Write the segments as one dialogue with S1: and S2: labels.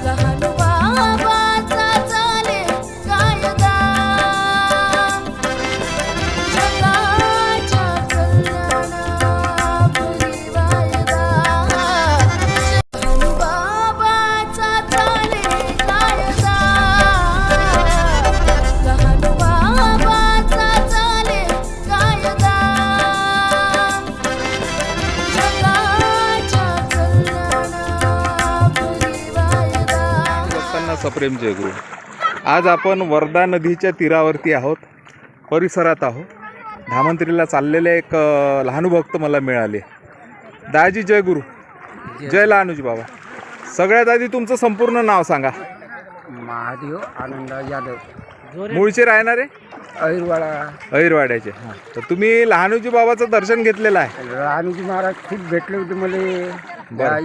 S1: सप्रेम जयगुरु। आज आपण वर्धा नदीच्या तीरावरती आहोत, परिसरात आहोत। धामंत्रीला चाललेले एक लहानू भक्त मला मिळाले। दाजी जयगुरु, जय लहानूजी बाबा। सगळ्यात आधी तुमचं संपूर्ण नाव सांगा।
S2: महादेव आनंद यादव,
S1: मूळचे राहणारे अहिरवाड्याचे। तर तुम्ही लहानूजी बाबाचं दर्शन घेतलेलं आहे?
S2: लहानूजी महाराज खूप भेटले होते मला।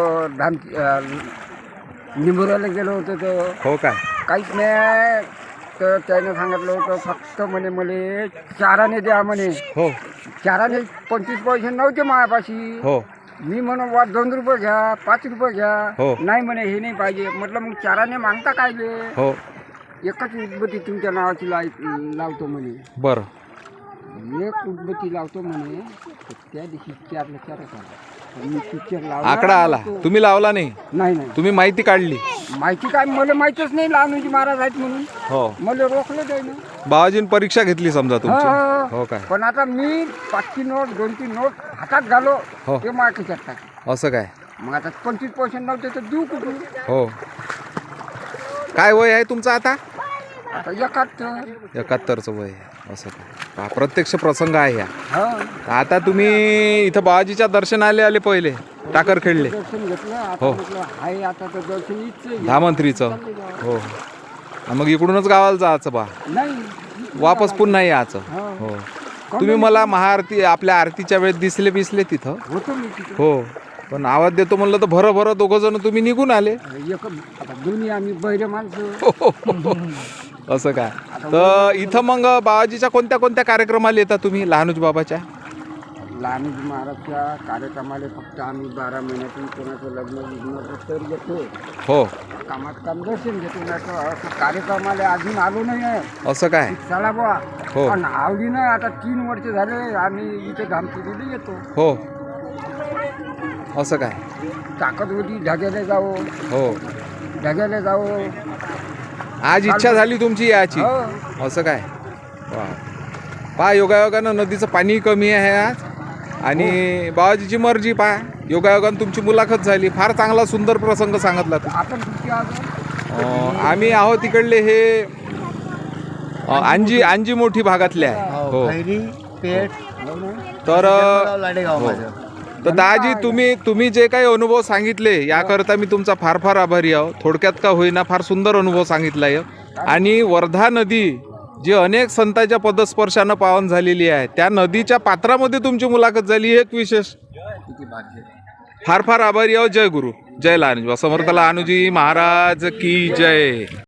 S2: इथं निंबुराला गेलो होतो तर
S1: हो काय?
S2: काहीच नाही, तर त्याने सांगितलं होतं फक्त म्हणे मला चाराने द्या म्हणे।
S1: हो,
S2: चाराने 25 पैसे नव्हते माझ्यापाशी।
S1: हो,
S2: मी म्हणून 2 रुपये घ्या, 5 रुपये घ्या।
S1: हो,
S2: नाही म्हणे हे नाही पाहिजे। म्हटलं मग चाराने मागता काय ले?
S1: हो,
S2: एकच उदबत्ती तुमच्या नावाची लावतो म्हणे।
S1: बरं,
S2: एक उदबत्ती लावतो म्हणे। त्या दिवशी 4ला 4च आला। मी पिक्चर लावला,
S1: आकडा आला, तुम्ही लावला नाही?
S2: नाही नाही,
S1: तुम्ही माहिती काढली?
S2: माहिती काय मला माहितच नाही लहानूजी महाराज आहेत म्हणून।
S1: हो,
S2: मला रोखलं जाईना।
S1: बाबाजीन परीक्षा घेतली समजा तुमची? हो काय?
S2: पण आता मी 5ची नोट 2ची नोट हातात घालो
S1: हो,
S2: ते माझ्या खिशात टाक।
S1: असं काय?
S2: मग आता 25 पैसे नव्हते तर देऊ कुठून?
S1: हो, काय वय आहे तुमचं आता?
S2: आता 71.
S1: 71चं वय आहे। असं काय? प्रत्यक्ष प्रसंग आहे ह्या।
S2: हा,
S1: आता तुम्ही इथं बाबाजीच्या दर्शनाला आले पहिले, टाकर खेळले
S2: दर्शन घेतलं।
S1: हो,
S2: आता म्हटलं हाय आता तर दर्शन इथचं
S1: धामंत्रीचं। हो, मग इकडूनच गावाला जायचं बा,
S2: नाही,
S1: वापस पुन्हा यायचं।
S2: हा.
S1: हो, तुम्ही मला महाआरती आपल्या आरतीच्या वेळेस दिसले तिथं?
S2: होतो मी तिथे।
S1: हो, पण आवाज देतो म्हणलं तर भरभर दोघं जण तुम्ही निघून आले।
S2: आता दोन्ही आम्ही बहिरे माणसं।
S1: असं काय? तर इथं मग बाबाजीच्या कोणत्या कोणत्या कार्यक्रमाला येतात तुम्ही लहानूजी बाबाच्या?
S2: लहानूजी महाराजच्या कार्यक्रमाला फक्त आम्ही 12 महिन्यातून कोणाचं लग्न तर येतो।
S1: हो,
S2: कामात काम दर्शन घेतो। नाही असं कार्यक्रमाला अजून आलो नाही आहे।
S1: असं काय?
S2: चला बुवा,
S1: हो,
S2: पण आवडीनं आता 3 वर्ष झाले आम्ही इथे धामतीला येतो।
S1: हो, असं काय?
S2: ताकद होती ढग्याला जाओ,
S1: हो,
S2: ढग्याला जाओ।
S1: आज इच्छा झाली तुमची याची?
S2: हो,
S1: असं काय? वा, पहा योगायोगानं नदीचं पाणी कमी आहे आज, आणि बाबाजीची मर्जी पहा, योगायोगानं तुमची मुलाखत झाली। फार चांगला सुंदर प्रसंग सांगितला तू।
S2: आपण कुठे आहोत?
S1: आम्ही आहोत तिकडले हे अंजी मोठी भागातले आहे। हो,
S2: पेठ
S1: तर तर दाजी तुम्ही जे काही अनुभव सांगितले याकरता मी तुमचा फार फार आभारी आहो। थोडक्यात का होईना फार सुंदर अनुभव सांगितला आहे। आणि वर्धा नदी जी अनेक संतांच्या पदस्पर्शानं पावन झालेली आहे, त्या नदीच्या पात्रामध्ये तुमची मुलाखत झाली, एक विशेष। फार फार आभारी आहो। जय गुरु, जय लहानूजी, समर्थ लहानूजी महाराज की जय।